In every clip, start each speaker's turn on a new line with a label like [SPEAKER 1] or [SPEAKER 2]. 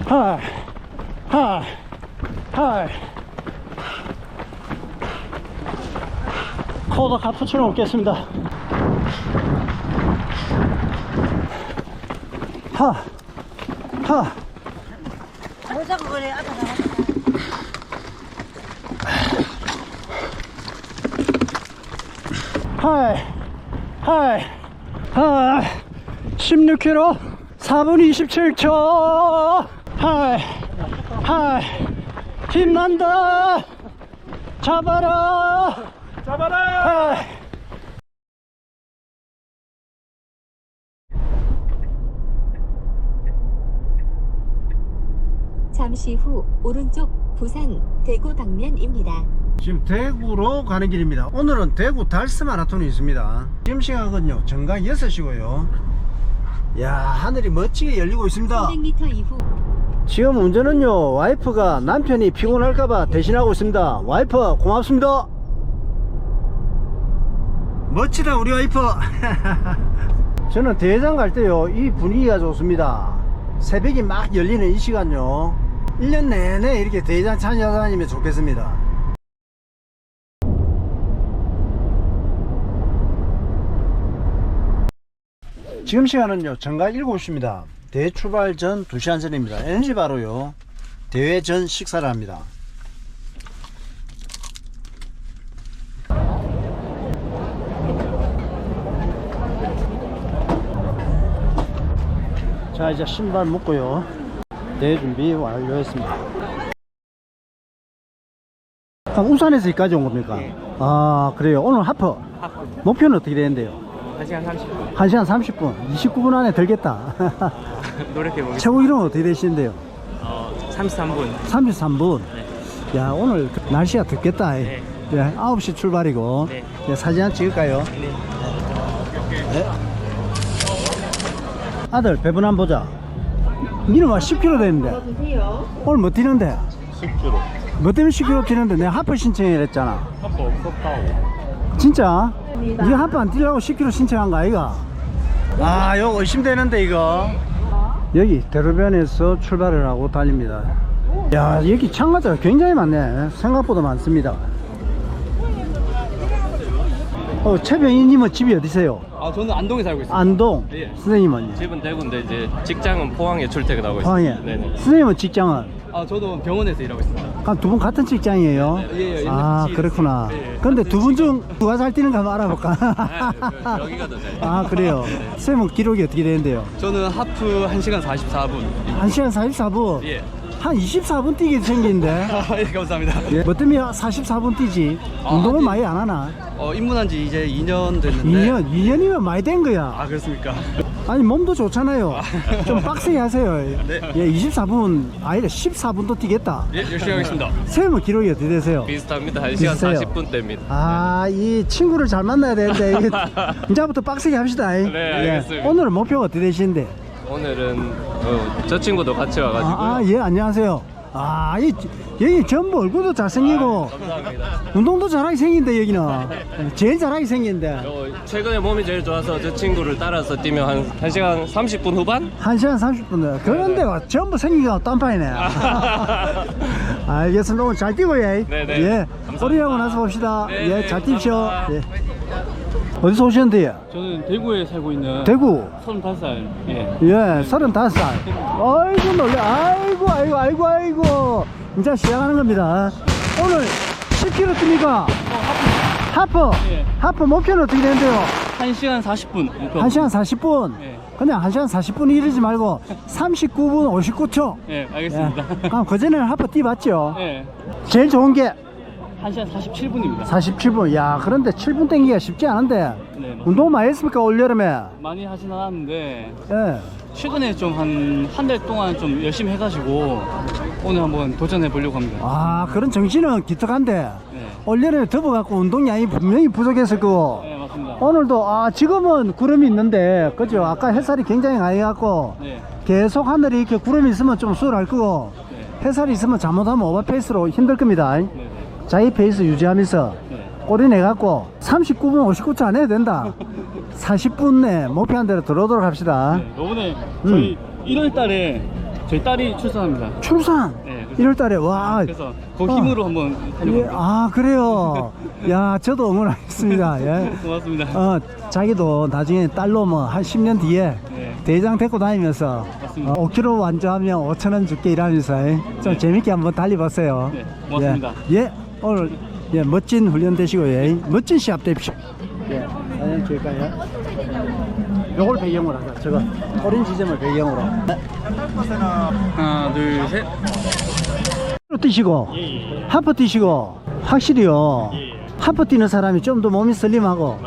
[SPEAKER 1] 하이 하이 하이. 코더 카푸치노 먹겠습니다. 하 하.
[SPEAKER 2] 모자고 그래. 아까 나왔다.
[SPEAKER 1] 하이 하이 하이. 16km 4분 27초. 하이 하이. 힘난다. 잡아라 잡아라. 하이.
[SPEAKER 3] 잠시 후 오른쪽 부산 대구 방면입니다.
[SPEAKER 1] 지금 대구로 가는 길입니다. 오늘은 대구 달스 마라톤이 있습니다. 지금 시각은요 정각 6시고요 야, 하늘이 멋지게 열리고 있습니다.
[SPEAKER 3] 300m 이후
[SPEAKER 1] 지금 운전은요 와이프가 남편이 피곤할까봐 대신하고 있습니다. 와이프 고맙습니다. 멋지다 우리 와이프. 저는 대회장 갈 때요 이 분위기가 좋습니다. 새벽이 막 열리는 이 시간요 1년 내내 이렇게 대회장 찾아다니면 좋겠습니다. 지금 시간은요 정각 7시입니다 대회 출발 전 2시간 전입니다. 에너지 바로요 대회 전 식사를 합니다. 자 이제 신발 묶고요 대회 준비 완료했습니다. 아, 울산에서 여기까지 온 겁니까?
[SPEAKER 4] 네.
[SPEAKER 1] 아 그래요. 오늘 하프 목표는 어떻게 되는데요?
[SPEAKER 4] 1시간 30분
[SPEAKER 1] 1시간 30분 29분 안에 들겠다.
[SPEAKER 4] 노력해보겠습니다.
[SPEAKER 1] 최고 기록은 어떻게 되시는데요?
[SPEAKER 4] 33분
[SPEAKER 1] 33분.
[SPEAKER 4] 네.
[SPEAKER 1] 야 오늘 날씨가 덥겠다.
[SPEAKER 4] 네.
[SPEAKER 1] 네, 9시 출발이고.
[SPEAKER 4] 네.
[SPEAKER 1] 네, 사진 한 찍을까요?
[SPEAKER 4] 네.
[SPEAKER 1] 네. 아들 배분 한번 보자. 니는 막 10km 되는데 오늘 뭐 뛰는데?
[SPEAKER 4] 10km
[SPEAKER 1] 뭐 때문에 10km 뛰는데 내가 하프 신청했잖아.
[SPEAKER 4] 하프 없었다고.
[SPEAKER 1] 진짜? 니가 하프 안 뛰려고 10km 신청한 거 아이가? 아 이거 의심되는데 이거. 여기 대로변에서 출발을 하고 달립니다. 야 여기 참가자가 굉장히 많네. 생각보다 많습니다. 최병희님은 집이 어디세요?
[SPEAKER 4] 저는 안동에 살고 있습니다.
[SPEAKER 1] 안동.
[SPEAKER 4] 예.
[SPEAKER 1] 선생님은요?
[SPEAKER 4] 집은 대구인데 이제 직장은 포항에 출퇴근하고
[SPEAKER 1] 포항에.
[SPEAKER 4] 있습니다. 네네.
[SPEAKER 1] 선생님은 직장은?
[SPEAKER 4] 저도 병원에서 일하고 있습니다.
[SPEAKER 1] 두 분 같은 직장이에요?
[SPEAKER 4] 예, 예,
[SPEAKER 1] 아
[SPEAKER 4] 같이
[SPEAKER 1] 그렇구나.
[SPEAKER 4] 일했어요. 예,
[SPEAKER 1] 근데
[SPEAKER 4] 같은
[SPEAKER 1] 두 분 중 누가 잘 뛰는가 한번 알아볼까?
[SPEAKER 4] 여기가 더 잘.
[SPEAKER 1] 아 그래요? 선생님은 기록이 어떻게 되는데요?
[SPEAKER 4] 저는 하프 1시간 44분.
[SPEAKER 1] 1시간 44분?
[SPEAKER 4] 예.
[SPEAKER 1] 한 24분 뛰게 생긴데.
[SPEAKER 4] 예, 감사합니다.
[SPEAKER 1] 뭐 때문에 44분 뛰지? 운동을
[SPEAKER 4] 아니,
[SPEAKER 1] 많이 안 하나?
[SPEAKER 4] 입문한 지 이제 2년 됐는데.
[SPEAKER 1] 2년이면 많이 된 거야.
[SPEAKER 4] 그렇습니까?
[SPEAKER 1] 아니 몸도 좋잖아요. 좀 빡세게 하세요.
[SPEAKER 4] 네.
[SPEAKER 1] 예, 24분 아니라 14분도 뛰겠다.
[SPEAKER 4] 예, 열심히 하겠습니다.
[SPEAKER 1] 선생님은 기록이 어떻게 되세요?
[SPEAKER 4] 비슷합니다. 1시간
[SPEAKER 1] 비슷해요.
[SPEAKER 4] 40분대입니다.
[SPEAKER 1] 아, 이 친구를 잘 만나야 되는데 이게 이제부터 빡세게 합시다.
[SPEAKER 4] 네, 알겠습니다.
[SPEAKER 1] 오늘은 목표가 어떻게 되시는데?
[SPEAKER 4] 오늘은 저 친구도 같이 와가지고.
[SPEAKER 1] 예, 안녕하세요. 여기 전부 얼굴도 잘생기고
[SPEAKER 4] 감사합니다.
[SPEAKER 1] 운동도 잘하게 생긴데 여기는 제일 잘하게 생긴데
[SPEAKER 4] 최근에 몸이 제일 좋아서 저 친구를 따라서 뛰면 한 1시간 30분 후반?
[SPEAKER 1] 1시간 30분 그런데 전부 생기가 딴판이네. 알겠습니다. 오늘 잘 뛰고 예.
[SPEAKER 4] 네네.
[SPEAKER 1] 예.
[SPEAKER 4] 감사합니다.
[SPEAKER 1] 소리하고 나서 봅시다.
[SPEAKER 4] 네네,
[SPEAKER 1] 예, 잘 뛰십시오.
[SPEAKER 4] 감사합니다.
[SPEAKER 1] 예. 어디서 오셨는데요?
[SPEAKER 5] 저는 대구에 살고 있는
[SPEAKER 1] 대구.
[SPEAKER 5] 35살. 예.
[SPEAKER 1] 예, 35살. 아이고 놀래. 아이고. 이제 시작하는 겁니다. 오늘 10km 뜁니까? 하프.
[SPEAKER 5] 예.
[SPEAKER 1] 하프 목표는 어떻게 되는데요?
[SPEAKER 5] 1시간 40분. 목표.
[SPEAKER 1] 1시간 40분.
[SPEAKER 5] 예.
[SPEAKER 1] 그냥 1시간 40분 이르지 말고 39분 59초.
[SPEAKER 5] 예, 알겠습니다.
[SPEAKER 1] 그럼 그전에는 하프 뛰봤죠?
[SPEAKER 5] 예.
[SPEAKER 1] 제일 좋은 게
[SPEAKER 5] 1시간 47분입니다.
[SPEAKER 1] 47분. 야, 그런데 7분 땡기기가 쉽지 않은데.
[SPEAKER 5] 네.
[SPEAKER 1] 운동 많이 했습니까? 올여름에?
[SPEAKER 5] 많이 하진 않았는데
[SPEAKER 1] 예.
[SPEAKER 5] 최근에 좀 한 달 동안 좀 열심히 해가지고 오늘 한번 도전해 보려고 합니다.
[SPEAKER 1] 그런 정신은 기특한데.
[SPEAKER 5] 네.
[SPEAKER 1] 올여름에 덥어갖고 운동량이 분명히 부족했을 거고.
[SPEAKER 5] 네, 맞습니다.
[SPEAKER 1] 오늘도 지금은 구름이 있는데 그죠? 아까 햇살이 굉장히 많이 갖고
[SPEAKER 5] 네.
[SPEAKER 1] 계속 하늘에 이렇게 구름이 있으면 좀 수월할 거고
[SPEAKER 5] 네.
[SPEAKER 1] 햇살이 있으면 잘못하면 오버페이스로 힘들 겁니다.
[SPEAKER 5] 네.
[SPEAKER 1] 자기 페이스 유지하면서
[SPEAKER 5] 네.
[SPEAKER 1] 꼬리 내갖고 39분 59초 안 해도 된다. 40분 내 목표한 대로 들어오도록 합시다.
[SPEAKER 5] 네. 요번에 저희 1월 달에 저희 딸이 출산합니다.
[SPEAKER 1] 출산.
[SPEAKER 5] 네, 그래서-
[SPEAKER 1] 1월 달에 와.
[SPEAKER 5] 그래서 그 힘으로 한번
[SPEAKER 1] 예,
[SPEAKER 5] 달려봅니다.
[SPEAKER 1] 아 그래요. 야 저도 응원하겠습니다. 예.
[SPEAKER 5] 고맙습니다.
[SPEAKER 1] 자기도 나중에 딸로 뭐 한 10년 뒤에
[SPEAKER 5] 네.
[SPEAKER 1] 대장 데리고 다니면서
[SPEAKER 5] 맞습니다.
[SPEAKER 1] 5km 완주하면 5,000원 줄게 이러면서 좀 재밌게 한번 달려보세요.
[SPEAKER 5] 네, 고맙습니다.
[SPEAKER 1] 예, 오늘 예, 멋진 훈련 되시고요. 예, 멋진 시합 되십시오. 예, 사진 찍을까요? 요걸 배경으로 하자. 저거 오렌 지점을 배경으로.
[SPEAKER 5] 하나, 둘, 셋.
[SPEAKER 1] 뛰시고 하프 뛰시고 확실히요. 하프 뛰는 사람이 좀 더 몸이 슬림하고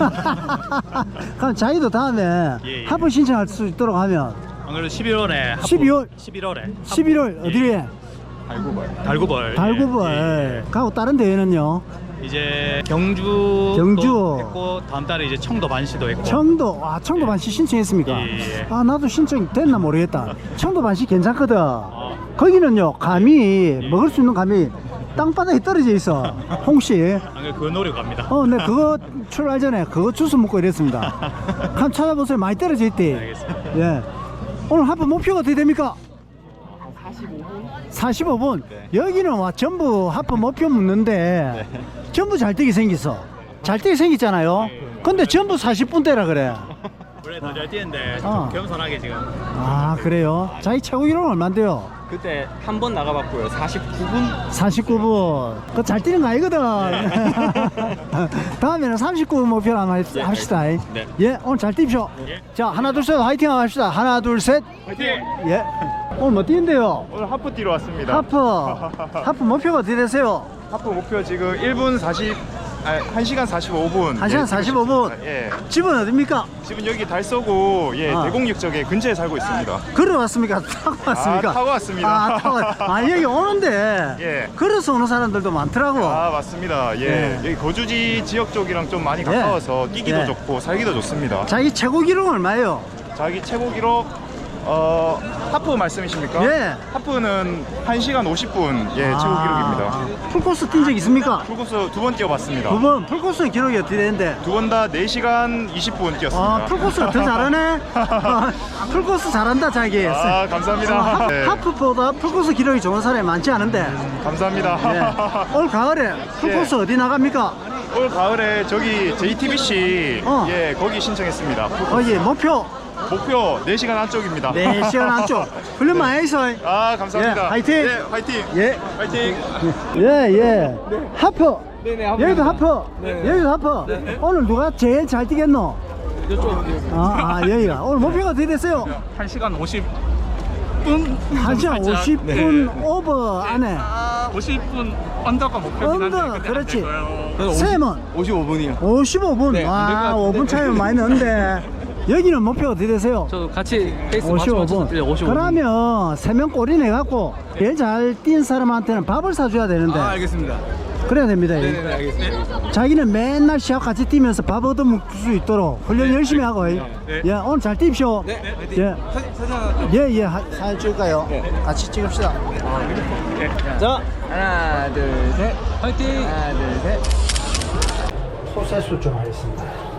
[SPEAKER 1] 그럼 자기도 다음에 하프 신청할 수 있도록 하면
[SPEAKER 6] 안 그래도 11월에
[SPEAKER 1] 11월 11월 어디에
[SPEAKER 6] 달구벌
[SPEAKER 1] 달구벌 가고 다른 대회는요.
[SPEAKER 6] 이제 경주
[SPEAKER 1] 경주.
[SPEAKER 6] 했고 다음 달에 이제 청도 반시도 했고
[SPEAKER 1] 청도 청도 반시 신청했습니까?
[SPEAKER 6] 예.
[SPEAKER 1] 아 나도 신청 됐나 모르겠다. 청도 반시 괜찮거든. 거기는요 감이 먹을 수 있는 감이 땅바닥에 떨어져 있어. 홍씨.
[SPEAKER 6] 안 그래도 그 노래 갑니다.
[SPEAKER 1] 네 그거 출발 전에 그거 주스 먹고 이랬습니다. 한번 찾아보세요. 많이 떨어져 있대.
[SPEAKER 6] 알겠습니다.
[SPEAKER 1] 예. 오늘 하프 목표가 어떻게 됩니까? 45분. 여기는 와 전부 하프 목표 묻는데 전부 잘 뛰게 생겼어. 잘 뛰게 생겼잖아요. 근데 전부 40분대라 그래.
[SPEAKER 6] 원래 더 잘 뛰는데
[SPEAKER 1] 어.
[SPEAKER 6] 좀 겸손하게 지금
[SPEAKER 1] 아 그래요? 자기 최고 기록은 얼만데요?
[SPEAKER 7] 그때 한 번 나가봤고요. 49분?
[SPEAKER 1] 49분. 그거 잘 뛰는 거 아니거든. 다음에는 39분 목표로 한번 합시다.
[SPEAKER 7] 네.
[SPEAKER 1] 예, 오늘 잘 뛰십시오. 자, 하나, 둘, 셋, 화이팅 한번 합시다. 하나, 둘, 셋.
[SPEAKER 6] 화이팅!
[SPEAKER 1] 예. 오늘 뭐 뛰는데요?
[SPEAKER 8] 오늘 하프 뛰러 왔습니다.
[SPEAKER 1] 하프 목표가 어떻게 되세요?
[SPEAKER 8] 하프 목표 지금 1시간 45분.
[SPEAKER 1] 1시간 45분.
[SPEAKER 8] 예.
[SPEAKER 1] 집은 어딥니까?
[SPEAKER 8] 지금 여기 달서구 대곡육적에 근처에 살고 있습니다.
[SPEAKER 1] 걸어왔습니까? 타고 왔습니까?
[SPEAKER 8] 타고 왔습니다.
[SPEAKER 1] 여기 오는데
[SPEAKER 8] 예.
[SPEAKER 1] 걸어서 오는 사람들도 많더라고.
[SPEAKER 8] 맞습니다. 예. 여기 거주지 지역 쪽이랑 좀 많이 가까워서 뛰기도
[SPEAKER 1] 예.
[SPEAKER 8] 좋고 살기도 좋습니다.
[SPEAKER 1] 자기 최고 기록은 얼마예요?
[SPEAKER 8] 자기 최고 기록 하프 말씀이십니까?
[SPEAKER 1] 예.
[SPEAKER 8] 하프는 1시간 50분 최고 기록입니다.
[SPEAKER 1] 풀코스 뛴 적 있습니까?
[SPEAKER 8] 풀코스 2번 뛰어봤습니다.
[SPEAKER 1] 두 번 풀코스 기록이 어떻게 되는데?
[SPEAKER 8] 두 번 다 4시간 20분 뛰었습니다.
[SPEAKER 1] 풀코스가 더 잘하네. 풀코스 잘한다 자기.
[SPEAKER 8] 감사합니다. 네.
[SPEAKER 1] 하프보다 풀코스 기록이 좋은 사람이 많지 않은데.
[SPEAKER 8] 감사합니다.
[SPEAKER 1] 예. 올 가을에 풀코스 어디 나갑니까?
[SPEAKER 8] 올 가을에 저기 JTBC 거기 신청했습니다.
[SPEAKER 1] 거기 목표
[SPEAKER 8] 목표 4시간 안쪽입니다.
[SPEAKER 1] 4시간 안쪽. 훈련 많이 했어.
[SPEAKER 8] 감사합니다.
[SPEAKER 1] 예, 화이팅!
[SPEAKER 8] 예, 화이팅!
[SPEAKER 1] 예.
[SPEAKER 8] 화이팅!
[SPEAKER 1] 예. 하프. 여기도 하프. 여기도 하프. 오늘 누가 제일 잘 뛰겠노? 여기가. 오늘 목표가 어떻게 됐어요?
[SPEAKER 6] 1시간 50분
[SPEAKER 1] 1시간 50분 오버 안에.
[SPEAKER 6] 50분 언더가 목표긴
[SPEAKER 1] 언더, 그렇지. 쌤은
[SPEAKER 7] 55분이요.
[SPEAKER 1] 55분.
[SPEAKER 7] 네, 안될것 같은데.
[SPEAKER 1] 5분 차이면 많이 넣는데. 여기는 목표가 어떻게 되세요?
[SPEAKER 5] 저도 같이 페이스
[SPEAKER 1] 55분.
[SPEAKER 5] 55분.
[SPEAKER 1] 그러면 3명 꼬리 내갖고 제일 잘 뛴 사람한테는 밥을 사줘야 되는데.
[SPEAKER 7] 알겠습니다.
[SPEAKER 1] 그래야 됩니다.
[SPEAKER 7] 네네, 알겠습니다.
[SPEAKER 1] 자기는 맨날 시합 같이 뛰면서 밥 얻어먹을 수 있도록 훈련 열심히 하고. 예, 오늘 잘 뛰십시오.
[SPEAKER 7] 네,
[SPEAKER 1] 예. 예. 사진 찍을까요? 같이 찍읍시다. 자,
[SPEAKER 7] 하나, 둘, 셋.
[SPEAKER 5] 화이팅!
[SPEAKER 7] 하나, 둘, 셋.
[SPEAKER 1] 소세수 좀 하겠습니다.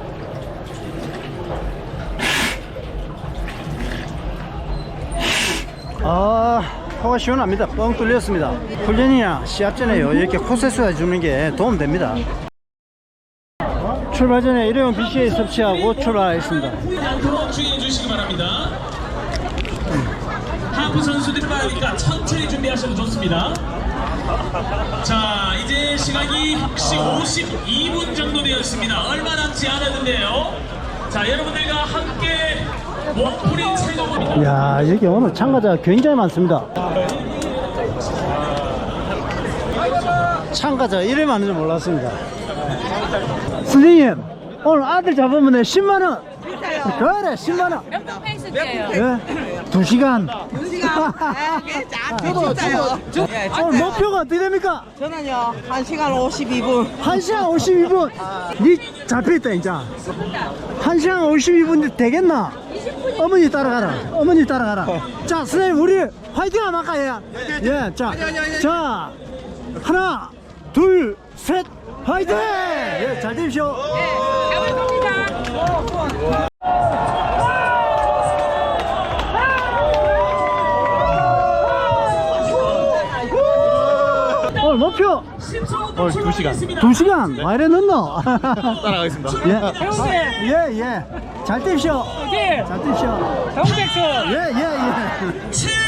[SPEAKER 1] 코가 시원합니다. 뻥 뚫렸습니다. 훈련이나 시합 전에요. 이렇게 코세수 해주는 게 도움됩니다. 출발 전에 일회용 BCA 섭취하고 출발하겠습니다.
[SPEAKER 9] 않도록 주의해 주시기 바랍니다. 하프 선수들이 많으니까 천천히 준비하셔도 좋습니다. 자, 이제 시각이 혹시 52분 정도 되었습니다. 얼마 남지 않았는데요. 자, 여러분들과 함께 몸풀인 세동입니다.
[SPEAKER 1] 야, 여기 오늘 참가자가 굉장히 많습니다. 참가자가 이래 많은 줄 몰랐습니다. 선생님, 오늘 아들 잡으면 10만원. 그래, 10만원.
[SPEAKER 2] 몇분 페이스 뛰어요?
[SPEAKER 1] 예? 2시간.
[SPEAKER 2] 2시간? 진짜요?
[SPEAKER 1] 오늘 목표가 어떻게 됩니까?
[SPEAKER 2] 저는요 1시간 52분
[SPEAKER 1] 1시간 52분. 니 잡혀있다, 이제. 1시간 52분 되겠나? 어머니 따라가라. 어머니 따라가라. 자, 선생님, 우리 화이팅 한번 할까요? 예, 자, 하나, 둘, 셋, 화이팅! 예, 잘 되십시오. 목표
[SPEAKER 9] 2시간.
[SPEAKER 1] 2시간 와 이래 넣노?
[SPEAKER 8] 따라가겠습니다.
[SPEAKER 1] 예예예 잘 뛰십시오 잘 뛰십시오
[SPEAKER 5] 정백수
[SPEAKER 1] 예예예
[SPEAKER 9] 최